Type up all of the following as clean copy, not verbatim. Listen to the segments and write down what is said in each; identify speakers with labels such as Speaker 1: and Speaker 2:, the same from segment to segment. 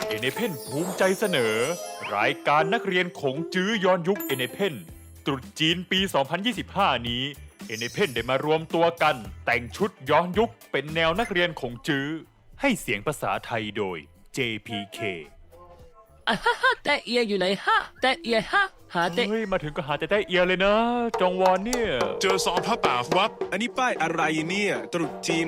Speaker 1: เอเนเพนภูมิใจเสนอ รายการนักเรียนขงจื้อย้อนยุคเอเนเพนตรุษจีนปี 2025 นี้เอเนเพนได้มารวมตัวกันแต่งชุดย้อนยุคเป็นแนวนักเรียนขงจื้อให้เสียงภาษาไทยโดย JPK
Speaker 2: แต่เอียอยู่ไหนฮะแต่เอียฮะหาแต่
Speaker 1: เฮ้ยมาถึงก็หาแต่ได้เอียเลยนะ จองวอนเนี่ย
Speaker 3: เจอซองผ้าป่าครับ
Speaker 4: อันนี้ป้ายอะไรเนี่ยตรุษจีน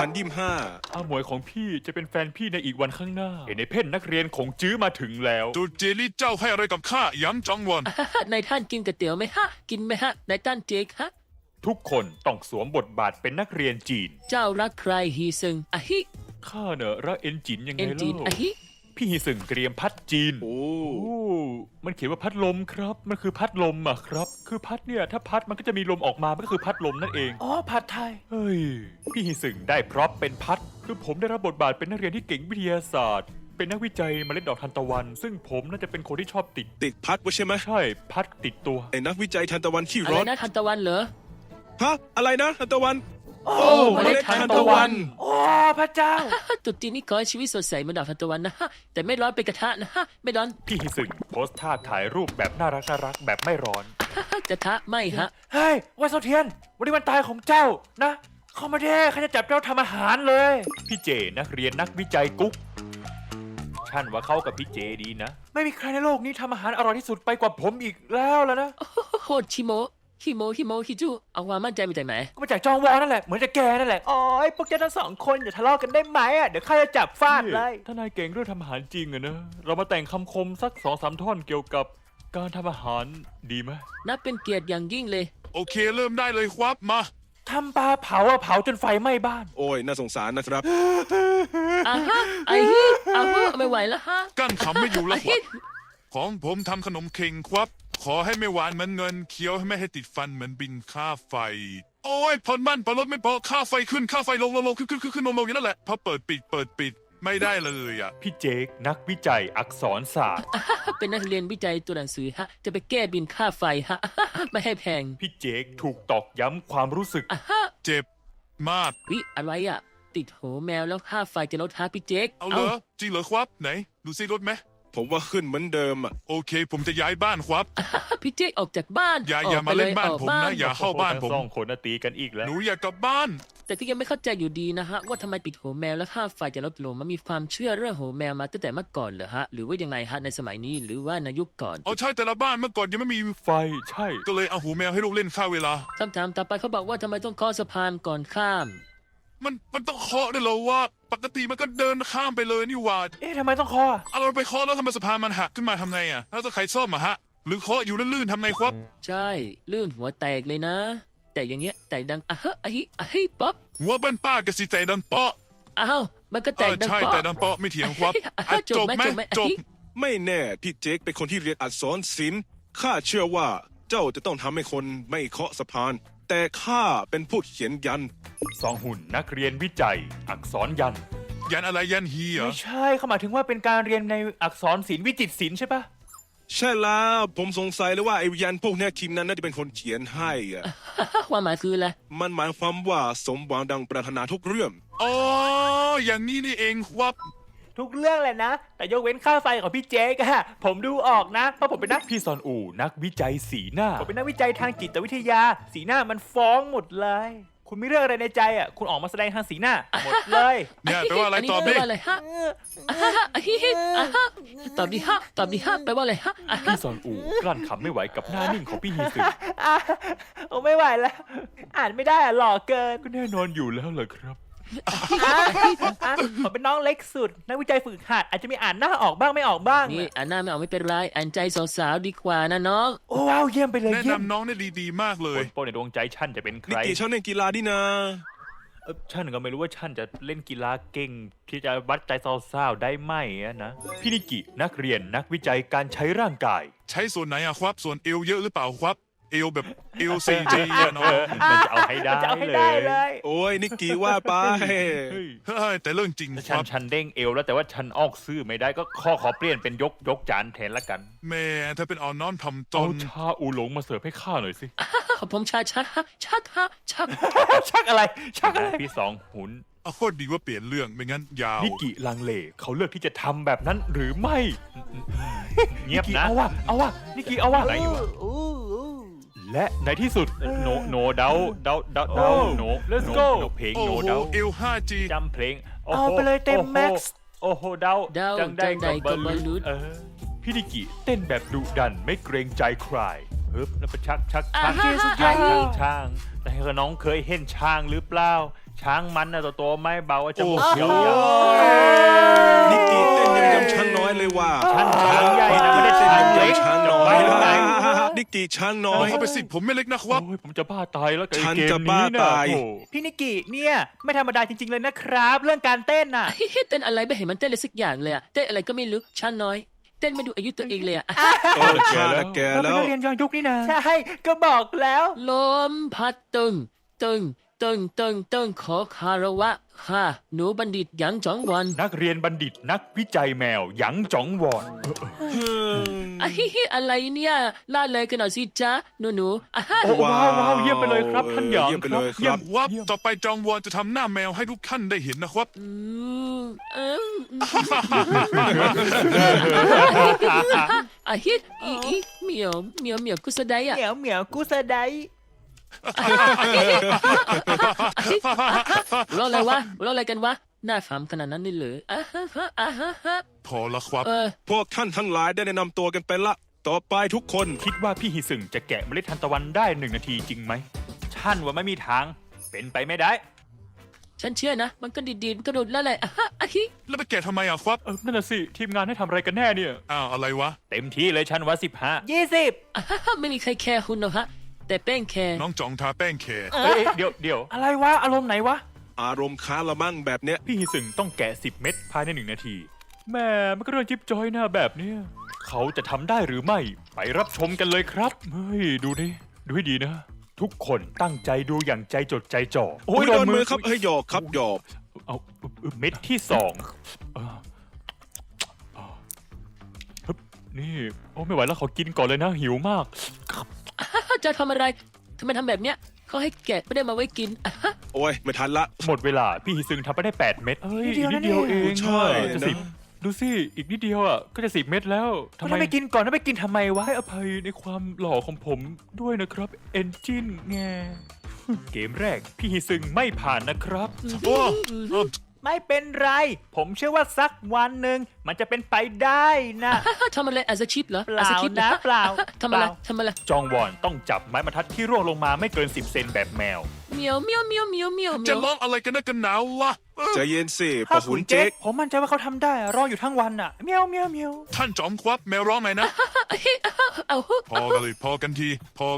Speaker 4: 2025
Speaker 1: อาหมวยของพี่จะเป็นแฟนพี่ในอีกวันข้างหน้าเอเนเพนนักเรียนขงจื้อมาถึงแล้ว
Speaker 3: ตูเจลี่เจ้าให้อะไรกับข้าย้ำจังวัน
Speaker 2: นายท่านกินก๋วยเตี๋ยวไหมฮะกินไหมฮะนายท่านเจ๊กฮะ
Speaker 1: ทุกคนต้องสวมบทบาทเป็นนักเรียนจีน
Speaker 2: เจ้ารักใครฮีซึงอะฮิ
Speaker 1: ข้าเนอะรักเอ็นจินยังไง
Speaker 2: เอ็นจีน
Speaker 1: เล่า
Speaker 2: อะฮิ
Speaker 1: พี่ฮิสึงเตรียมพัดจีน
Speaker 4: โอ้
Speaker 1: โอ้มันเขียนว่าพัดลมครับ มันคือพัดลมอะครับ คือพัดเนี่ยถ้าพัดมันก็จะมีลมออกมามันก็คือพัดลมนั่นเอง
Speaker 5: อ๋อผัดไทย
Speaker 1: เฮ้ย พี่ฮิสึงได้พร็อพเป็นพัด คือผมได้รับบทบาทเป็นนักเรียนที่เก่งวิทยาศาสตร์ เป็นนักวิจัยเมล็ดดอกทานตะวัน ซึ่งผมน่าจะเป็นคนที่ชอบติด
Speaker 4: ติดพัดไว้ใช่ไหม
Speaker 1: ใช่พัดติดตัว
Speaker 4: ไอ้นักวิจัยทันตะวันขี้
Speaker 2: อะไร
Speaker 4: ร้อน
Speaker 2: นะทันตะวันเหรอ
Speaker 4: ฮะอะไรนะทันตะวัน
Speaker 5: โอ้
Speaker 4: เมล็ดทานตะวัน
Speaker 5: โอ้พระเจ้า
Speaker 2: ตุ๊ดจีนนี่ขอให้ชีวิตสดใสเหมือนดาวทันตะวันนะฮะแต่ไม่ร้อนเป็นกระทะนะฮะไม่ร้อน
Speaker 1: พี่ฮิสึงโพสต์ท่าถ่ายรูปแบบน่ารักแบบไม่ร้อน
Speaker 2: กระทะไม่ฮะ
Speaker 5: เฮ้ยวันเสาร์เทียน วันนี้วันตายของเจ้านะ เข้ามาเด้ข้าจะจับเจ้าทำอาหารเลย
Speaker 1: พี่เจนักเรียนนักวิจัยกุ๊กฉันว่าเข้ากับพี่เจดีนะ
Speaker 5: ไม่มีใครในโลกนี้ทำอาหารอร่อยที่สุดไปกว่าผมอีกแล้วนะ
Speaker 2: โคตรชิโมฮิจูเอาความมั่นใจมาจากไหน
Speaker 5: ก็มาจากจองวอนั่นแหละ เหมือนจะแกนั่นแหละโอ้ยพวกเจ้าทั้งสองคนอย่าทะเลาะกันได้ไหมอ่ะ เดี๋ยวข้าจะจับฟาดเลย
Speaker 1: ถ้านายเก่งเรื่องทำอาหารจริงอะนะ เรามาแต่งคำคมสัก2-3 ท่อนเกี่ยวกับการทำอาหารดีไหม
Speaker 2: นับเป็นเกียรติอย่างยิ่งเลย
Speaker 3: โอเคเริ่มได้เลยครับมา
Speaker 5: ทำปลาเผาอะเผาจนไฟไหม้บ้าน
Speaker 4: โอ้ยน่าสงสารนะครับ
Speaker 2: อ่ะฮะไอ้ฮิอ่ะฮะไม่ไหวแล้วฮะ
Speaker 3: กั้นขำไม่อยู่แล้ว
Speaker 2: ะ
Speaker 3: ค
Speaker 2: ฮิ
Speaker 3: รับของผมทำขนมเข่งครับ ขอให้ไม่หวานเหมือนเงินเคี้ยวให้ไม่ให้ติดฟันเหมือนบินค่าไฟ โอ้ยผ่อนบ้านผ่อนรถไม่พอค่าไฟขึ้นค่าไฟลงขึ้นลงอย่างนั้นแหละพอเปิดปิดไม่ได้เลยอ่ะ
Speaker 1: พี่เจคนักวิจัยอักษรศาสตร์
Speaker 2: เป็นนักเรียนวิจัยตัวหนังสือฮะจะไปแก้บินค่าไฟฮะ ไม่ให้แพง
Speaker 1: พี่เจคถูกตอกย้ำความรู้สึก
Speaker 3: เจ็บมาก
Speaker 2: วิอะไรอ่ะ ติดโหแมวแล้วค่าไฟจะลดฮะพี่เจ๊ก
Speaker 3: เอาเหรอจริงเหรอครับไหนดูซิรถไหม
Speaker 4: ผมว่าขึ้นเหมือนเดิมอ่ะ
Speaker 3: โอเค ผมจะย้ายบ้านครับ
Speaker 2: พี่เจ๊กออกจากบ้าน
Speaker 3: อย่ามาเล่นบ้านผมนะอย่า เข้าบ้านผม
Speaker 1: ทั้งสองคนน่ะตีกันอีกแล้ว
Speaker 3: หนูอยากกลับบ้าน
Speaker 2: แต่ก็ยังไม่เข้าใจอยู่ดีนะฮะว่าทำไมปิดโหแมวแล้วค่าไฟจะลดลงมันมีความเชื่อเรื่องโหแมวมาตั้งแต่เมื่อก่อนเหรอฮะหรือว่ายังไงฮะในสมัยนี้หรือว่าในยุคก่อน
Speaker 3: เอาใช่แต่ละบ้านเมื่อก่อนยังไม่มี
Speaker 1: ไฟใช่
Speaker 3: ก็เลยเอาหูแมวให้ลูกเล่นค่าเวลา
Speaker 2: คำถามต่อไปเขาบอกว่าทำไมต้องเคาะสะพานก่อนข้าม
Speaker 3: มันต้องเคาะด้วยเหรอว่า ปกติมันก็เดินข้ามไปเลยนี่หว่า
Speaker 5: เอ๊ะทำไมต้องคอ
Speaker 3: เอาเราไปเคาะแล้วทำไมสะพานมันหักขึ้นมาทำไงอ่ะแล้วจะใครซ่อมอะฮะ หรือเคาะอยู่ลื่นๆทำไงครับ
Speaker 2: ใช่ลื่นหัวแตกเลยนะ แต่อย่างเงี้ยแตกดังอะฮะอะฮิป๊อป
Speaker 3: หัวบ้านป้ากระสีใจดันเปาะ
Speaker 2: อ้าวมันก็แตกดัง
Speaker 3: ใช่
Speaker 2: ป๊อ
Speaker 3: แต่
Speaker 2: ป
Speaker 3: ดันเปาะไม่เถียงครับ
Speaker 2: อ่ะจบไหม
Speaker 3: จบ
Speaker 4: ไม่แน่พี่เจคเป็นคนที่เรียนอักษรศิลป์ข้าเชื่อว่าเจ้าจะต้องทำให้คนไม่เคาะสะพาน แต่ข้าเป็นผู้เขียนยัน
Speaker 1: สองหุ่นนักเรียนวิจัย อักษรยันต์
Speaker 3: ยันอะไรยันฮีเหรอ
Speaker 5: ไม่ใช่เขาหมายถึงว่าเป็นการเรียนในอักษรศิลป์วิจิตรศิลป์ใช่ปะ
Speaker 4: ใช่แล้วผมสงสัยเลยว่าไอ้ยันพวกเนี้ยทีมนั้นน่าจะเป็นคนเขียนให้อ่ะ
Speaker 2: ความหมายคืออะไร
Speaker 4: มันหมายความว่าสมหวังดังปรารถนาทุกเรื่อง
Speaker 3: อ๋ออย่างนี้นี่เองครับ
Speaker 5: ทุกเรื่องเลยนะ แต่ยกเว้นค่าไฟของพี่เจ๊กอะผมดูออกนะ เพราะผมเป็นนัก
Speaker 1: พี่ซอนอูนักวิจัยสีหน้า
Speaker 5: ผมเป็นนักวิจัยทางจิตวิทยา สีหน้ามันฟ้องหมดเลย คุณมีเรื่องอะไรในใจอ่ะ คุณออกมาแสดงทางสีหน้า หมดเลย
Speaker 3: เนี่ยแปลว่าอะไรตอบ
Speaker 2: แปล
Speaker 3: ดิ
Speaker 2: ว่าอะไรฮะอะฮิอะฮะตอบดิฮะแปลว่าอะไรฮะอะฮะ
Speaker 1: พี่ซอนอูกลั้นขำไม่ไหวกับหน้านิ่งของพี่ฮีซึ
Speaker 5: อ่ะโอ้ไม่ไหวแล้ว อ่านไม่ได้อ่ะหล่อเกิน
Speaker 1: ก็แน่นอนอยู่แล้วเหรอครับ
Speaker 5: อ่ะผมเป็นน้องเล็กสุด นักวิจัยฝึกหัดอาจจะมีอ่านหน้าออกบ้างไม่ออกบ้าง
Speaker 2: นี่อ่านหน้าไม่ออกไม่เป็นไรอ่านใจสาวๆดีกว่านะน้อง
Speaker 5: โอ้ว้าวเยี่ยมไปเลย
Speaker 3: แนะ
Speaker 5: เยี่ยม
Speaker 3: นำน้องได้ดีๆมากเล
Speaker 1: ค
Speaker 3: ย
Speaker 1: นโปรในดวงใจฉันจะเป็นใค
Speaker 4: นิ
Speaker 1: ร
Speaker 4: กิชอบเล่นกีฬาดินะ
Speaker 1: ฉันก็ไม่รู้ว่าฉันจะเล่นกีฬาเก่งที่จะวัดใจสาวๆได้ไหมอะนะ พี่นิกินักเรียนนักวิจัยการใช้ร่างกาย
Speaker 3: ใช้ส่วนไหนอะครับ ส่วนเอวเยอะหรือเปล่าครับ เอวแบบเอวซีจีอะน้อง
Speaker 1: มันจะเอาให้ได้
Speaker 5: จะเอาให้ได้เลย
Speaker 4: โอ้ยนิกิว่าไป
Speaker 1: เฮ้ย
Speaker 3: เฮ้ยแต่เรื่องจริง
Speaker 1: แต่
Speaker 3: ค
Speaker 1: ฉัน
Speaker 3: รับ
Speaker 1: ฉันเด้งเอวแล้วแต่ว่าฉันออกซื่อไม่ได้ก็ขอเปลี่ยนเป็นยกจานแทนละกัน
Speaker 3: แม่เธอเป็นอ่อนน้อมถ่อมต
Speaker 1: เอา
Speaker 3: น
Speaker 1: ชาอูหลงมาเสิร์ฟให้ข้าหน่อยสิ
Speaker 2: ผมชัก
Speaker 5: ชักอะไร ชักอะไร
Speaker 1: พี่สองหุน
Speaker 3: โคตรดีว่าเปลี่ยนเรื่องไม่งั้นยาว
Speaker 1: นิกิลังเลเขาเลือกที่จะทำแบบนั้นหรือไม่
Speaker 5: เงียบ
Speaker 1: นิกิ
Speaker 5: นะ
Speaker 1: เอาวะนิกิเอาวะ
Speaker 5: อะไรอยู่วะ
Speaker 1: และในที่สุดโนเดาโน
Speaker 5: Let's go
Speaker 1: เพลง
Speaker 3: โอ้
Speaker 1: โน
Speaker 3: โห
Speaker 1: เดา
Speaker 3: เอล 5G
Speaker 5: จำเพลง
Speaker 2: เอาไปเลยเต็ม max
Speaker 5: โอ้โหเดา
Speaker 2: เดา
Speaker 5: จังได้
Speaker 2: จังใดกับบอลลูน
Speaker 1: พี่นิกิเต้นแบบดุดันไม่เกรงใจใคร
Speaker 5: ฮึบแล้วไปชัก
Speaker 2: อ่าฮะ
Speaker 5: ช้างแต่น้องเคยเห็นช้างหรือเปล่า ช้างมันนะตัวไม่เบาจะบุก
Speaker 3: โอ้โห
Speaker 5: เขียว
Speaker 4: นิกกี้เต้นยังยำช้างน้อยเลยว่า
Speaker 5: ช้างใหญ่นะไม่ได้ช้างเล็ก
Speaker 4: ช้างน้อย
Speaker 5: จะไปไหน
Speaker 4: นิกกี้ช้างน้อ
Speaker 3: เอา
Speaker 4: ย
Speaker 3: เข้าไปสิผมไม่เล็กนะครับ
Speaker 1: โอ้ยผมจะบ้าตายแล้วกับไอ้
Speaker 4: ฉัน
Speaker 1: เกม
Speaker 4: จะบ้า
Speaker 1: นี้นะ
Speaker 4: ตาย
Speaker 1: โอ้
Speaker 5: พี่นิกิเนี่ยไม่ธรรมดาจริง ๆ เลยนะครับ เรื่องการเต้นน่ะ
Speaker 2: เต้นอะไรไม่เห็นมันเต้นเลยสักอย่างเลยอะเต้นอะไรก็ไม่รู้ช้างน้อย เต้นไม่ดูอายุตัวเองเลยอะ
Speaker 4: โอ้ข้าน่ะแก
Speaker 5: เราเป็น
Speaker 4: แล้ว
Speaker 5: นักเรียนย้อนยุคนี่นะใช่ก็บอกแล้ว
Speaker 2: ลมพัดตึงขอคารวะค่ะหนูบัณฑิตหยางจองวัน
Speaker 1: นักเรียนบัณฑิตนักวิจัยแมวหยังจ๋องวอน
Speaker 2: อะไรเนี่ยล่าเลยกันหน่อยสิจ๊ะหนูอ่ะฮะ
Speaker 1: โอ้ว้าวเยี่ยมไปเลยครับท่านหยาง
Speaker 4: เยี่ยมไปเลยครับ
Speaker 3: วับต่อไปจองวอนจะทำหน้าแมวให้ทุกท่านได้เห็นนะครับ
Speaker 2: อืมเอิ่มอ่ะฮิตอีเหมียวกุสดายอ่ะ
Speaker 5: เหมียวกูสะได
Speaker 2: เราอะไรวะเราอะไรกันวะหน้าขำขนาดนั้นนี่เหรอ
Speaker 3: พอละครับ
Speaker 4: พวกท่านทั้งหลายได้แนะนำตัวกันไปละ ต่อไปทุกคน
Speaker 1: คิดว่าพี่ฮิซึงจะแกะเมล็ดทานตะวันได้1 นาทีจริงไหม
Speaker 5: ท่านว่าไม่มีทาง เป็นไปไม่ได้
Speaker 2: ฉันเชื่อนะ มันก็ดีๆมันก็โดดแล้วแหละอ่ะฮิ
Speaker 3: แล้วไปแกะทำไมอ่ะครับ
Speaker 1: นั่นน่ะสิทีมงานให้ทำอะไรกันแน่เนี่ย
Speaker 3: อ้าวอะไรวะ
Speaker 5: เต็มที่เลยฉันว่า15
Speaker 2: ไม่มีใครแคร์คุณหรอกฮะแต่แป้งแคร์
Speaker 3: น้องจองทาแป้งแคร์
Speaker 1: เดี๋ยว
Speaker 5: อะไรวะ อารมณ์ไหนวะ
Speaker 4: อารมณ์ค้าละมั่งแบบเนี้ย
Speaker 1: พี่ฮิซึงต้องแกะ10 เม็ดภายใน1 นาที แม่มันก็เรื่องจิ๊บจอยหน้าแบบเนี้ยเขาจะทำได้หรือไม่ ไปรับชมกันเลยครับ เฮ้ย ดูให้ดีนะ ทุกคนตั้งใจดูอย่างใจจดใจจ่อ
Speaker 4: โอ้ยโดนมือครับเฮ้ยหยอกครับหยอก
Speaker 1: เอาเม็ดที่2ฮึบนี่ โอ้ไม่ไหวแล้วขอกินก่อนเลยนะ หิวมาก
Speaker 2: จะทำอะไรทำไมทำแบบเนี้ยเขาให้แกะไม่ได้มาไว้กิน
Speaker 4: โอ้ยไม่ทันละ
Speaker 1: หมดเวลา พี่ฮิซึงทำไปได้8 เม็ดเอ้ย
Speaker 5: นิ
Speaker 1: อี
Speaker 5: ด
Speaker 1: ก
Speaker 5: เดียว
Speaker 1: นิดเดียว
Speaker 5: นะเนี่ย
Speaker 1: เอง
Speaker 4: ใช่
Speaker 1: จะ
Speaker 4: นะ
Speaker 1: 10ดูสิอีกนิดเดียวอ่ะก็จะ10 เม็ดแล้วทำ
Speaker 5: ทำ
Speaker 1: ไม
Speaker 5: ไมไปกินก่อนแล้วไปกินทำไมวะ
Speaker 1: ให้อภัยในความหล่อของผมด้วยนะครับเอนจินแง เกมแรกพี่ฮิซึงไม่ผ่านนะครับ
Speaker 3: โอ้เอ้า
Speaker 5: ไม่เป็นไร ผมเชื่อว่าสักวันหนึ่งมันจะเป็นไปได้นะ
Speaker 2: ทำอะไรอาซาชิปเหรอ
Speaker 5: เปล่า
Speaker 2: อาซาคิป
Speaker 5: นะเปล่า
Speaker 2: ทำอะไรทำอะไร
Speaker 1: จองวอนต้องจับไม้บรรทัดที่ร่วงลงมาไม่เกิน 10 เซนแบบแมว
Speaker 2: เมียวเมียวเมียวเมียวเมียว
Speaker 3: จะร้องอะไรกันนักกันหนาววะ
Speaker 4: ใจเย็นสิปะ
Speaker 5: ถ้า
Speaker 4: หุ
Speaker 5: คุ
Speaker 4: น
Speaker 5: ณ
Speaker 4: เจ๊ก
Speaker 5: ผมมั่นใจว่าเขาทำได้อะรออยู่ทั้งวันอ่ะเมียวเมียวเมียว
Speaker 3: ท่านจอมครับแมวร้องไหนอยนะ
Speaker 2: เอา
Speaker 3: พอกันเลยพอกันที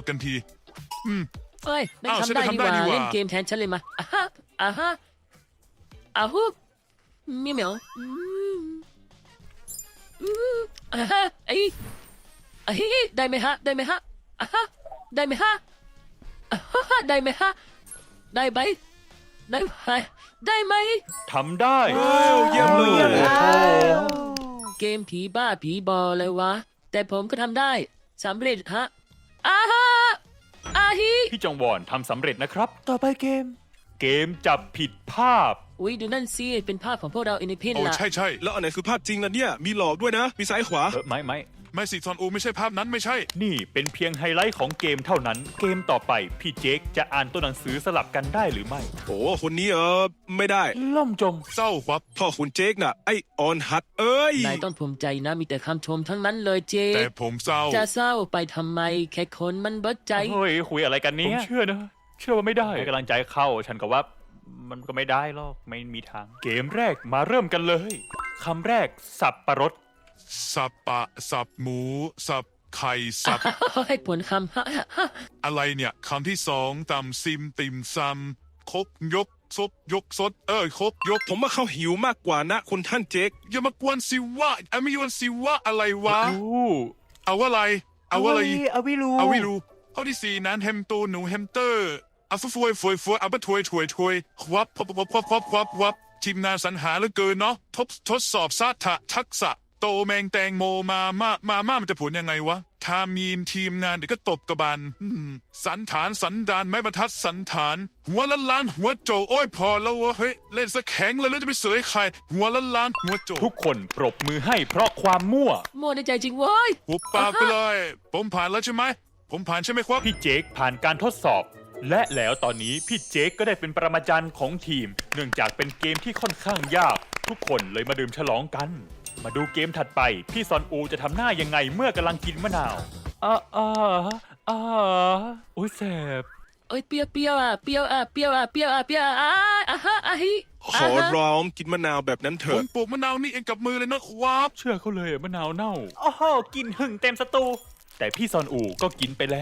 Speaker 2: เอ้ยนั่น
Speaker 3: อ้าว
Speaker 2: ทำได้
Speaker 3: ฉัน
Speaker 2: ดี
Speaker 3: ก็
Speaker 2: ก
Speaker 3: ทำได้
Speaker 2: ว่า
Speaker 3: นี่หว่า
Speaker 2: เล่นเกมแทนฉันเลยมาอ้าวเมียวเมียวไอ้ได้ไหมฮะได้ไหมฮะได้ไหมฮะได้ไหมฮะได้ไหมได้ไหมได้ไหม
Speaker 1: ทำได้
Speaker 4: เยี่ยมเลย
Speaker 2: เกมผีบ้าผีบอเลยวะ แต่ผมก็ทำได้สำเร็จฮะอาฮิ
Speaker 1: พี่จองวอนทำสำเร็จนะครับ
Speaker 5: ต่อไปเกม
Speaker 1: เกมจับผิดภาพ
Speaker 2: อุ้ยดูนั่นสิเป็นภาพของพวกเราอินดิเพน
Speaker 3: โอ้
Speaker 2: ล่ะ
Speaker 3: ใช่
Speaker 4: แล้วอันไหนคือภาพจริงล่ะเนี่ย มีหลอกด้วยนะ มีซ้ายขวา
Speaker 1: ไม่
Speaker 3: ไม่สิซอนอูไม่ใช่ภาพนั้นไม่ใช่
Speaker 1: นี่เป็นเพียงไฮไลท์ของเกมเท่านั้น เกมต่อไปพี่เจคจะอ่านตัวหนังสือสลับกันได้หรือไม่
Speaker 4: โอ้คนนี้ไม่ได้
Speaker 1: ล่มจม
Speaker 3: เศร้าครับ
Speaker 4: พ่อคุณเจ๊กน่ะ ไอออนฮัดเอ้ย
Speaker 2: นายต้องภูมิใจนะมีแต่คำชมทั้งนั้นเลยเจ
Speaker 3: แต่ผมเศร้า
Speaker 2: จะเศร้าไปทำไมแค่คนมันเบิดใจ
Speaker 1: เฮ้ยคุยอะไรกันเนี่ยผมเชื่อนะ เชื่อว่าไม่ได้
Speaker 5: ให้กำลังใจเข้า ฉันก็ว่ามันก็ไม่ได้หรอก ไม่มีทาง
Speaker 1: เกมแรกมาเริ่มกันเลยคำแรกสับปะรด
Speaker 3: สับปะสับหมู สับไข่สับ
Speaker 2: ให้ผลคำ
Speaker 3: อะไรเนี่ยคำที่2ตำซิมติมซำครบยกซบยกซดครบยก
Speaker 4: ผมว่าเขาหิวมากกว่านะคุณท่านเจ๊ก
Speaker 3: อย่ามากวนสิวะไม่ยวนสิวะอะไรวะ
Speaker 1: โอ้
Speaker 3: เอาอะไร เอาอะไร
Speaker 5: เอาวิรู
Speaker 3: เอาไม่รู้ข้อที่4นั้นแฮมโตหนูแฮมสเตอร์เอาฟวยเอาไปถวยวับทีมงานสรรหาเหลือเกินเนาะทดสอบทักษะโตแมงแตงโมมามันจะผลยังไงวะถ้ามีทีมงานเดี๋ยวก็ตบกระบาลสันฐานสันดานไม้บรรทัดสันฐาน หัวล้านหัวโจโอ้ยพอแล้ววะเฮ้ยเล่นซะแข็งเลยแล้วจะไปเสยใคร หัวล้านหัวโจ
Speaker 1: ทุกคนปรบมือให้เพราะความมั่ว
Speaker 2: มั่วในใจจริงเว้ย
Speaker 3: หุบปากไปเลย ผมผ่านแล้วใช่ไหมผมผ่านใช่ไหมครับ
Speaker 1: พี่เจคผ่านการทดสอบ และแล้วตอนนี้พี่เจคก็ได้เป็นปรมาจารย์ของทีม เนื่องจากเป็นเกมที่ค่อนข้างยาก ทุกคนเลยมาดื่มฉลองกัน มาดูเกมถัดไป พี่ซอนอูจะทำหน้ายังไงเมื่อกำลังกินมะนาวโอ้ยแสบ
Speaker 2: เอ้ยเปรี้ยวเปรี้ยวอ่ะเปรี้ยวอ่ะเปรี้ยวอ่ะเปรี้ยวอ่ะเปรี้ยวอ่ะอ่ะฮะอ่ะฮิ
Speaker 4: ขอร้องกินมะนาวแบบนั้นเถ
Speaker 3: ผ
Speaker 4: อะ
Speaker 3: มปลูกมะนาวนี่เองกับมือเลยนะครับ
Speaker 1: เชื่อเขาเลยอะมะนาวเน่า โอ้โหกินหึ่งเต็มสตู แต่พี่ซอนอูก็กินไปแล้ว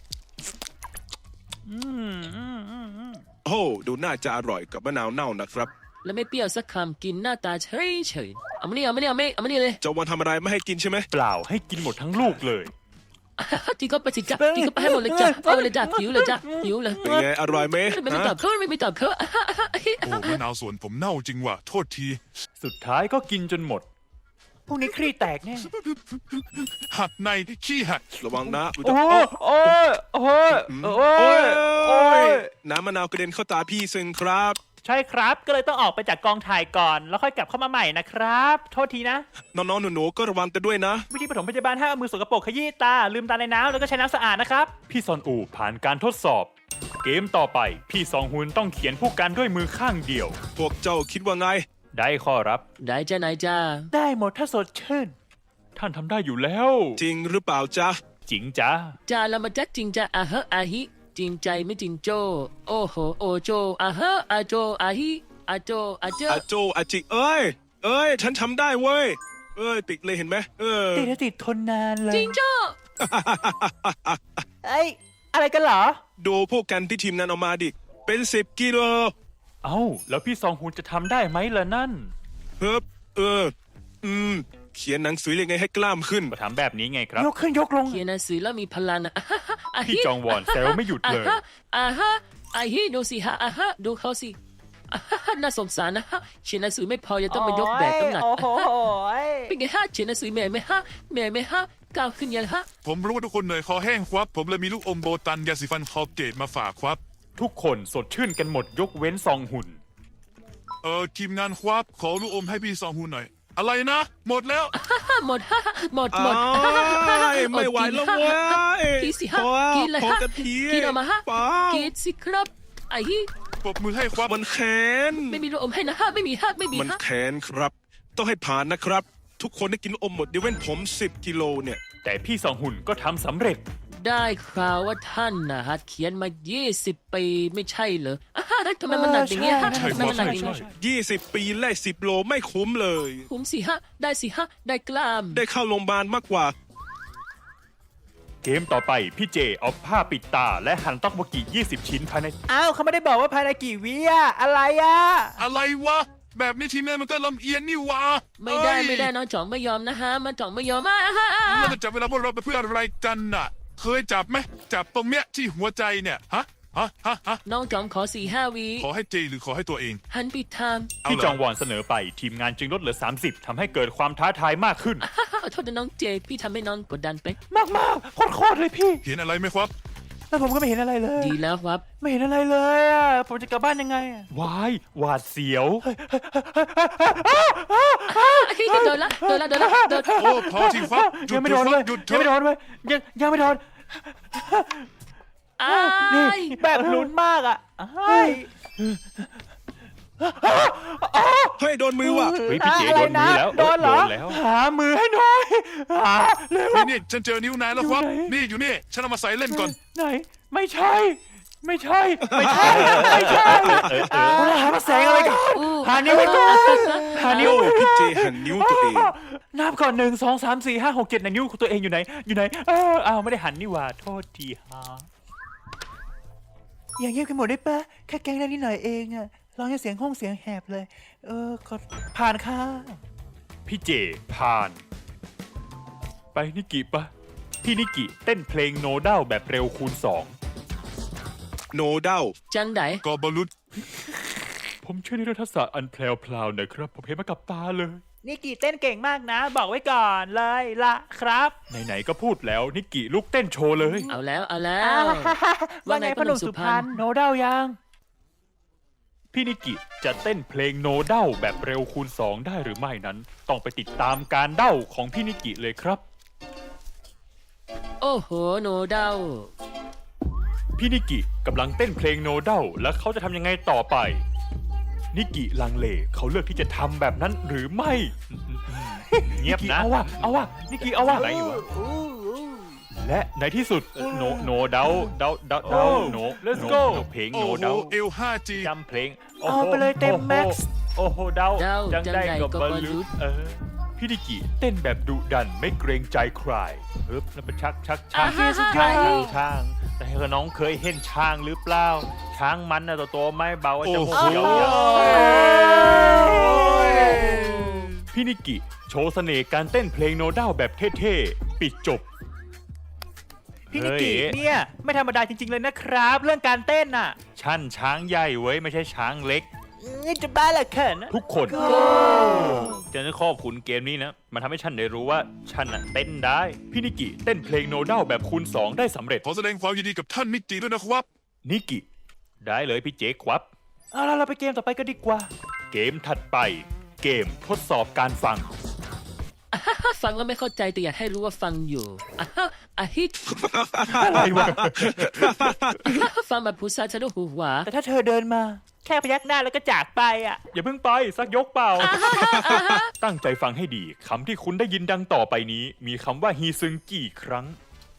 Speaker 4: โอ้ดูน่าจะอร่อยกับมะนาวเน่านะครับ
Speaker 2: แล้วไม่เปรี้ยวสักคำกินหน้าตาเฉยเฉยเอามานี่เอามานี่เอามานี่เลย
Speaker 4: เจ้าวันทำอะไรไม่ให้กินใช่ไหม
Speaker 1: เปล่าให้กินหมดทั้งลูกเลย
Speaker 2: กินก็ไปสิจ้ะกินก็ไปให้หมดเลยจ้ะเอาไปเลยจ้ะหิวเลยจ้ะหิวเลย
Speaker 4: เป็นไงอร่อยไหม
Speaker 2: ไม่ตอบเขาไม่ตอบเขา
Speaker 3: โอ้มะนาวสวนผมเน่าจริงว่ะโทษที
Speaker 1: สุดท้ายก็กินจนหมด พวกนี้ครีแตกแน่
Speaker 3: หักในขี้หัก
Speaker 4: ระวังนะ
Speaker 1: โอ้ยโอ้ยโอ้ยโอ้
Speaker 4: โอ้
Speaker 1: ย
Speaker 4: ย
Speaker 1: โอ้ย
Speaker 4: น้ำมะนาวกระเด็นเข้าตาพี่ซึงครับ
Speaker 5: ใช่ครับ ก็เลยต้องออกไปจากกองถ่ายก่อน แล้วค่อยกลับเข้ามาใหม่นะครับ โทษทีนะ
Speaker 4: น้องๆหนูๆก็ระวังกันด้วยนะ
Speaker 5: วิธีปฐมพยาบาลห้ามเอามือสกปรกขยี้ตา ลืมตาในน้ำแล้วก็ใช้น้ำสะอาดนะครับ
Speaker 1: พี่ซอนอูผ่านการทดสอบ เกมต่อไป พี่ซองฮุนต้องเขียนผู้กันด้วยมือข้างเดียว
Speaker 4: พวกเจ้าคิดว่าไง
Speaker 1: ได้ข้อรับ
Speaker 2: ได้จ้ะนายจ้า
Speaker 5: ได้หมดถ้าสดชื่น
Speaker 1: ท่านทำได้อยู่แล้ว
Speaker 4: จริงหรือเปล่าจ๊ะ
Speaker 1: จริงจ้า
Speaker 2: จ้าเรามาจักจริงจ้ะอ่ะฮะอ่ะฮิจริงใจไม่จริงโจ โอ้โหโอโจอ่ะฮะอ่ะโจอ่ะฮิอ่ะโจอ่ะเจอ
Speaker 4: อาโจอาจิเอ้ยฉันทำได้เว้ยติดเลยเห็นไหม
Speaker 5: ติดแล้วติดทนนานเลย
Speaker 2: จริงโจ
Speaker 5: เอ้ย อะไรกันเหรอ
Speaker 4: ดูพวกกันที่ทีมงานเอามาดิ เป็น10 กิโล
Speaker 1: เอ้า แล้วพี่ซองฮุนจะทำได้ไหมล่ะนั่น
Speaker 4: เฮ้บเขียนหนังสือยังไงให้กล้ามขึ้น
Speaker 1: ก็ทำแบบนี้ไงครับ
Speaker 5: ยกขึ้นยกลง
Speaker 2: เขียนหนังสือแล้วมีพลังอ่ะอ่ะ
Speaker 1: พี่จองวอนแซวไม่หยุดเลย
Speaker 2: อ่ะฮะอ่ะฮิดูสิฮะอ่ะฮะดูเขาสิอ่ะฮะน่าสงสารนะฮะเขียนหนังสือไม่พอยังต้องมายกแบกน้ำหนัก
Speaker 5: โอ้โห
Speaker 2: เป็นไงฮะเขียนหนังสือเหนื่อยไหมฮะเหนื่อยไหมฮะก้าวขึ้นยังฮะ
Speaker 3: ผมรู้ว่าทุกคนเหนื่อยคอแห้งครับ ผมเลยมีลูกอมโบตันยาสีฟันคอลเกตมาฝากครับ
Speaker 1: ทุกคนสดชื่นกันหมดยกเว้นซองฮุน
Speaker 3: ทีมงานครับขอลูกอมให้พี่ซองฮูหน่อย อะไรนะ หมดแล้ว
Speaker 2: หมดฮะหมด
Speaker 4: ไม่ไหวแล้วเว้ย
Speaker 2: กินสิฮะ
Speaker 4: พอ
Speaker 2: กินเลย
Speaker 4: พอ
Speaker 2: ฮะ
Speaker 4: กันที
Speaker 2: กินออกมาฮะ
Speaker 4: เปล่า
Speaker 2: กินสิครับไอ้ฮิ
Speaker 3: ปรบมือให้ครับ
Speaker 4: มันแค้น
Speaker 2: ไม่มีลูกอมให้นะฮะไม่มีฮะไม่มี
Speaker 4: มัน
Speaker 2: ฮะ
Speaker 4: แค้นครับ ต้องให้ผ่านนะครับ ทุกคนได้กินอมหมดยกเว้นผม10 กิโลเนี่ย
Speaker 1: แต่พี่ซองฮุนก็ทำสำเร็จ
Speaker 2: ได้ข่าวว่าท่านนะฮะเขียนมา20 ปีไม่ใช่เหรอทำไมมันหนักอย่างเงี้ยฮะ
Speaker 1: ใช่
Speaker 2: ทำไมมันหนักอย่างเงี้ย
Speaker 4: 20 ปีแลก10 โลไม่คุ้มเลย
Speaker 2: ผมสิฮะได้สิฮะได้กล้าม
Speaker 4: ได้เข้าโรงพยาบาลมากกว่า
Speaker 1: เกมต่อไปพี่เจเอาผ้าปิดตาและหั่นต๊อกโบกิ20 ชิ้นภายใน
Speaker 5: อ้าวเขาไม่ได้บอกว่าภายในกี่วิอะอะไรอะ
Speaker 3: อะไรวะ แบบนี้ทีมงานมันก็ลำเอียงนี่วะ
Speaker 2: ไม่ได้
Speaker 3: เอ้ย
Speaker 2: ไม่ได้น้องจ่องไม่ยอมนะฮะมันจ่องไม่ยอม
Speaker 3: เราจะจับเวลาพวกเราไปเพื่ออะไรกันน่ะ เคยจับไหมจับตรงเนี้ยที่หัวใจเนี่ยฮะ
Speaker 2: น้องจ่องขอ4-5 วิ
Speaker 3: ขอให้เจหรือขอให้ตัวเอง
Speaker 2: หันปิดทาง
Speaker 3: เอา
Speaker 1: พี่
Speaker 3: เหรอ
Speaker 1: จองวอนเสนอไปทีมงานจึงลดเหลือ 30ทำให้เกิดความท้าทายมากขึ้น
Speaker 2: ขอโทษนะน้องเจพี่ทำให้น้องกดดันไป
Speaker 5: มากมากโคตรเลยพี่
Speaker 3: เห็นอะไรไหมครับ
Speaker 5: แล้วผมก็ไม่เห็นอะไรเลย
Speaker 2: ดีแล้วครับ
Speaker 5: ไม่เห็นอะไรเลยอะผมจะกลับบ้านยังไงอะ
Speaker 1: วายหวาดเสียว
Speaker 2: โดนละโดนละโดนละโดน
Speaker 3: โอ้พอทีครับหยุ
Speaker 5: ยั
Speaker 3: ด
Speaker 5: งไม่โดนเลย
Speaker 3: หยุดเถ
Speaker 5: ยังไม่โด
Speaker 3: อะ
Speaker 5: นเลยยังไม่โดน
Speaker 2: อ้า
Speaker 5: นี่
Speaker 2: ย
Speaker 5: แบบลุ้นมากอะอ้าย
Speaker 4: เฮ้ย โดนมือว่ะ
Speaker 1: เฮ้ยพี่เจโดนมือแล้ว
Speaker 5: โดนเหรอ
Speaker 1: โดนแล้ว
Speaker 5: หามือให้หน่อยหาเร็ว
Speaker 3: นี่ฉันเจอนิ้วนายแล้วครับ
Speaker 5: อยู่ไหน
Speaker 3: นี่อยู่นี่ ฉันเอามาใส่เล่นก่อน
Speaker 5: ไหนไม่ใช่ ไม่ใช่ไม่ใช่ไม่ใช่หามาแสงอะไรกันหานิ้วให้ก่อนหานิ้ว
Speaker 4: โอ้พี่เจหันนิ้วตัวเอง
Speaker 5: นับก่อน1 2 3 4 5 6 7ไหนนิ้วของตัวเองอยู่ไหนอยู่ไหนอ้าวไม่ได้หันนี่หว่าโทษทีฮะอย่างเงียบกันหมดได้ปะแค่แกล้งได้นิดหน่อยเองอะร้องให้เสียงห้องเสียงแหบเลยขอผ่านค่ะ
Speaker 1: พี่เจผ่าน ไปนิกิปะพี่นิกิเต้นเพลงโนด้าแบบเร็วคูณ
Speaker 4: โนเด้า
Speaker 2: จังได
Speaker 3: กอบอลุด
Speaker 1: 2 ผมเชื่อในเรื่องทักษะอันแพรวๆนะครับ ผมเห็นมากับตาเลย
Speaker 5: นี่กี่เต้นเก่งมากนะ บอกไว้ก่อนเลยละครับ
Speaker 1: ไหนๆก็พูดแล้วนิกกี้ลุกเต้นโชว์เลย
Speaker 2: เอาแล้วเอาแล้ว
Speaker 5: ว่าไงพ่อหนุ่มสุพรรณโนเดายัง
Speaker 1: พี่นิกกี้จะเต้นเพลงโนเด้าแบบเร็วคูณ 2 ได้หรือไม่นั้น ต้องไปติดตามการเด้าของพี่นิกกี้เลยครับ
Speaker 2: โอ้โหโนเดา
Speaker 1: พี่นิกกี้กำลังเต้นเพลงโนเด้าแล้วเขาจะทำยังไงต่อไป นิกกี้ลังเลเขาเลือกที่จะทำแบบนั้นหรือไม่ เงียบนะเอาว่ะนิกกี้เอาว่ะไหนอยู่วะและในที่สุดโนเด้าโน let's go เพลง
Speaker 3: โอ้
Speaker 1: โน
Speaker 3: โห
Speaker 1: เด้า
Speaker 3: เอล 5G
Speaker 1: จำเพลง
Speaker 5: เอาไปเลยเต็มแม็กซ์
Speaker 1: โอ้โหเดา
Speaker 2: เดา
Speaker 1: จังได้
Speaker 2: จังใด
Speaker 1: กับบ
Speaker 2: ก็
Speaker 1: บอล
Speaker 2: บอลลู
Speaker 1: ลู
Speaker 2: น
Speaker 1: พี่นิกกี้เต้นแบบดุดันไม่เกรงใจใครฮึบแล้วเป็นชัก
Speaker 2: อ่า
Speaker 1: ช้างแต่ให้น้องเคยเห็นช้างหรือเปล่า ช้างมันนะตัวไม่เบาจะ
Speaker 3: โอ้
Speaker 1: มู
Speaker 3: โห
Speaker 1: กยาวๆพี่นิกกี้โชว์เสน่ห์การเต้นเพลงโนด้าแบบเท่ๆปิดจบ
Speaker 5: พี่นิกกี้
Speaker 1: เฮ้ย
Speaker 5: เนี่ยไม่ธรรมดาจริงๆเลยนะครับ เรื่องการเต้นน่ะ
Speaker 1: ชั่นช้างใหญ่เว้ยไม่ใช่ช้างเล็ก
Speaker 5: จะบ้าเหรอเขิน
Speaker 1: ทุกคนจะได้ขอบคุณเกมนี้นะ มันทำให้ฉันได้รู้ว่าฉันน่ะเต้นได้ พี่นิกิเต้นเพลงโนด้าแบบคูณ 2 ได้สำเร็จ
Speaker 3: ขอแสดงความยินดีกับท่านนิติด้วยนะครับ
Speaker 1: นิกิได้เลยพี่เจ๊ครับ
Speaker 5: เอาล่ะเราไปเกมต่อไปกันดีกว่า
Speaker 1: เกมถัดไป เกมทดสอบการฟัง
Speaker 2: ฟังแล้วไม่เข้าใจแต่อยากให้รู้ว่าฟังอยู่อาฮิต
Speaker 1: อะไรวะ
Speaker 2: ฟังแบบผู้ชายฉันดูหูหวา
Speaker 5: แต่ถ้าเธอเดินมา แค่พยักหน้าแล้วก็จากไปอ่ะ
Speaker 1: อย่าเพิ่งไปสักยกเปล่า ตั้งใจฟังให้ดีคำที่คุณได้ยินดังต่อไปนี้ มีคำว่าฮีซึงกี่ครั้ง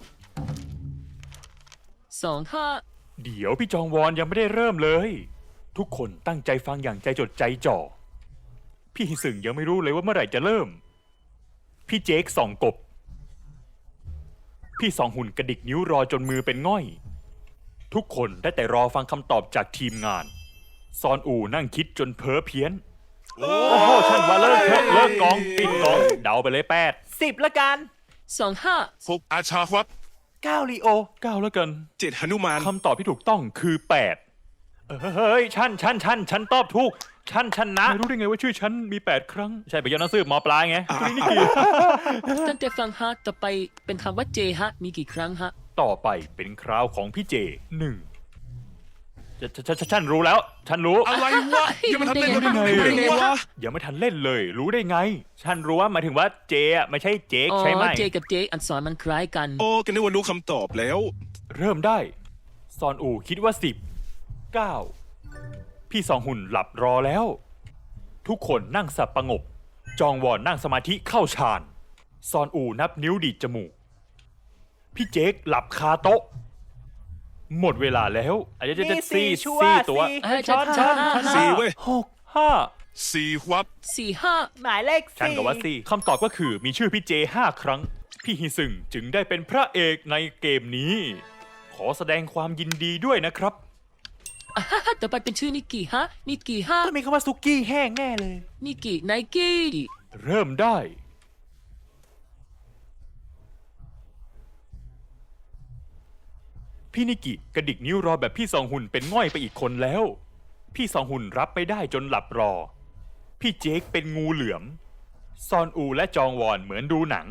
Speaker 2: 2
Speaker 1: เดี๋ยวพี่จองวอนยังไม่ได้เริ่มเลย ทุกคนตั้งใจฟังอย่างใจจดใจจ่อ พี่ฮิซึงยังไม่รู้เลยว่าเมื่อไหร่จะเริ่ม พี่เจคส่องกบ พี่สองหุ่นกระดิกนิ้วรอจนมือเป็นง่อย ทุกคนได้แต่รอฟังคำตอบจากทีมงาน ซอนอูนั่งคิดจนเพ้อเพี้ยน โอ้โหฉันว่าเลิกเถอะเลิกกองปิดกองเดาไปเลย
Speaker 5: 10ละกัน
Speaker 2: 2
Speaker 3: 6 อาชาครับ
Speaker 5: 9ลีโอ
Speaker 1: 9แล้วกัน
Speaker 4: 7 หนุมาน
Speaker 1: คำตอบที่ถูกต้องคือ 8เฮ้ยฉันตอบถูกฉันชนะไม่รู้ได้ไงว่าชื่อฉันมี 8 ครั้ง ใช่ไปย้อนหนังสือหมอปลายไงตัวนี้นี่กี่
Speaker 2: ตั้งแต่ฟังฮะต่อไปเป็นคำว่าเจฮะมีกี่ครั้งฮะ
Speaker 1: ต่อไปเป็นคราวของพี่เจ1ฉันรู้แล้ว ฉันรู้
Speaker 3: อะไรวะยังไม่ทันเล่น
Speaker 2: ยัง
Speaker 3: ยัง
Speaker 2: ไม่
Speaker 3: ไม่
Speaker 2: ได้
Speaker 3: ทัน
Speaker 2: ไง
Speaker 3: เล่น
Speaker 2: วะ
Speaker 3: วะ
Speaker 1: ยังไม่ทันเล่นเลย รู้ได้ไง ฉันรู้ว่าหมายถึงว่าเจอ่ะไม่ใช่เจค
Speaker 2: อ๋อ
Speaker 1: ใช่ไหม
Speaker 2: เจกับเจอักษรมันคล้ายกัน
Speaker 4: โอ้กันนึกว่ารู้คำตอบแล้ว
Speaker 1: เริ่มได้ ซอนอูคิดว่า 10 9 พี่สองหุ่นหลับรอแล้ว ทุกคนนั่งสับประงก จองวอนนั่งสมาธิเข้าฌาน ซอนอูนับนิ้วดีดจมูก พี่เจคหลับคาโต๊ะ หมดเวลาแล้วอาจจะ
Speaker 5: นี่
Speaker 1: ซี่
Speaker 5: ชัวร์
Speaker 1: ซี่ตัว
Speaker 5: สี่
Speaker 2: ช้อน
Speaker 4: 4 เว้ย
Speaker 1: 6 5
Speaker 3: 4 ครับ
Speaker 2: 4
Speaker 5: หมายเลข
Speaker 1: ฉันกับว่าซี่คำตอบก็คือมีชื่อพี่เจ5 ครั้ง พี่ฮิซึงจึงได้เป็นพระเอกในเกมนี้ ขอแสดงความยินดีด้วยนะครับ
Speaker 2: 5ต่อไปเป็นชื่อนิกิฮะนิกิฮะ
Speaker 5: ต้องมีคำว่าซุกี้แห้งแน่เลย
Speaker 2: นิกิไนกี้
Speaker 1: เริ่มได้ พี่นิกิกระดิกนิ้วรอแบบพี่สองหุ่นเป็นง่อยไปอีกคนแล้ว พี่สองหุ่นรับไม่ได้จนหลับรอ พี่เจคเป็นงูเหลือม ซอนอูและจองวอนเหมือนดูหนัง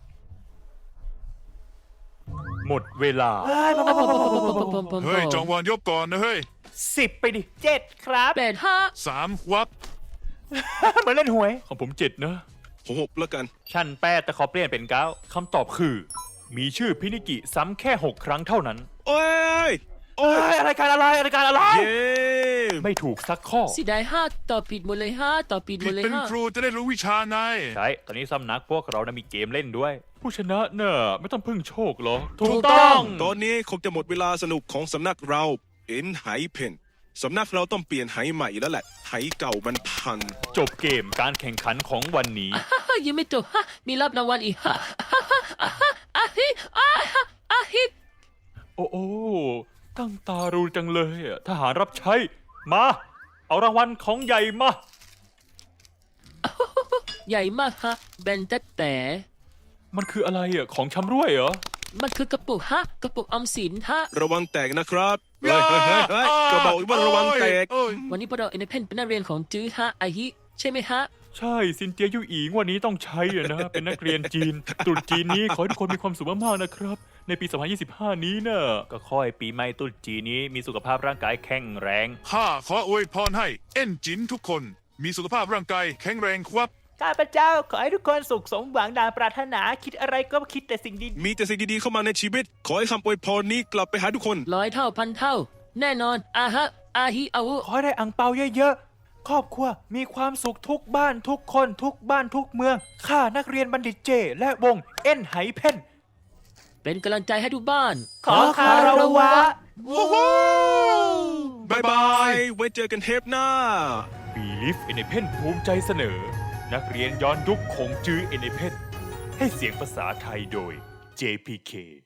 Speaker 1: หมดเวลา
Speaker 3: เฮ้ย จองวอนยกก่อนนะเฮ้ย
Speaker 5: 10 ไปดิ 7 ครับ
Speaker 2: 8
Speaker 3: 3 ครับ
Speaker 5: เหมือนเล่นหวย
Speaker 1: ของผม7นะ
Speaker 4: ผม6แล้วกัน
Speaker 1: ชั้น8แต่ขอเปลี่ยนเป็น9คำตอบคือ มีชื่อพี่นิกิซ้ำแค่ 6 ครั้งเท่านั้น
Speaker 4: โอ้ย
Speaker 5: โอ้ยอะไรกันอะไรอะไรกันอะไร
Speaker 4: เย้
Speaker 1: ไม่ถูกสักข้อ
Speaker 2: 5สิได้5ต่อผิดหมดเลย5ต่อผิดหม
Speaker 3: ผิ
Speaker 2: ด
Speaker 3: ด
Speaker 2: เลย
Speaker 3: เป็น
Speaker 2: 5
Speaker 3: ครูจะได้รู้วิชาใน
Speaker 1: ใช่ ตอนนี้สำนักพวกเรานะมีเกมเล่นด้วย ผู้ชนะเนอะไม่ต้องพึ่งโชคหรอ
Speaker 5: ถูกต้อง
Speaker 4: ตอนนี้คงจะหมดเวลาสนุกของสำนักเราเป็นไหเพนสำนักเราต้องเปลี่ยนไหใหม่แล้วแหละ ไหเก่ามันพัง
Speaker 1: จบเกมการแข่งขันของวันนี้
Speaker 2: ยังไม่จบมีรับรางวัลอีกอาฮิอาฮิ
Speaker 1: โอ้โอ้ตั้งตารู้จังเลยอะทหารรับใช้ มา เอารางวัลของใหญ่มา
Speaker 2: ใหญ่มากฮะแบนแต่
Speaker 1: มันคืออะไรอ่ะ ของชำร่วยเหรอ
Speaker 2: มันคือกระปุกกระปุกออมสิน
Speaker 4: ระวังแตกนะครับเฮ้ยก็บอกว่าระวังแตก
Speaker 3: โอ้ย
Speaker 2: วันนี้พวกเราเอเนเพนเป็นนักเรียนของจื้ออาฮิใช่ไหมฮะ
Speaker 1: ใช่ซินเจียยู่อีงวันนี้ต้องใช้อะนะ เป็นนักเรียนจีน ตรุษจีนนี้ขอให้ทุกคนมีความสุขมากๆนะครับ ในปี 2025 นี้นะก็ค่อยปีใหม่ตรุษจีนนี้มีสุขภาพร่างกายแข็งแรง
Speaker 3: ข้าขออวยพรให้เอ็นจินทุกคน มีสุขภาพร่างกายแข็งแรงครับ
Speaker 5: ข้าพเจ้าขอให้ทุกคนสุขสมหวังดังปรารถนาคิดอะไรก็คิดแต่สิ่งดี
Speaker 4: มีแต่สิ่งดีๆเข้ามาในชีวิต ขอให้คำอวยพรนี้กลับไปหาทุกคน
Speaker 2: ร้อยเท่าพันเท่า แน่นอนอาฮะ อาฮิอาวุ
Speaker 5: ขอให้ได้อังเปาเยอะๆ ครอบครัวมีความสุขทุกบ้านทุกคนทุกบ้านทุกเมือง ข้านักเรียนบัณฑิตเจ และวงเอ็นไหเพ่น
Speaker 2: เป็นกำลังใจให้ทุกบ้าน
Speaker 5: ขอคารวะ
Speaker 4: บายบาย ไว้เจอกันเทปหน้า
Speaker 1: Believe in a Pen ภูมิใจเสนอ นักเรียนย้อนยุคคงจื้อ in a Pen ให้เสียงภาษาไทยโดย JPK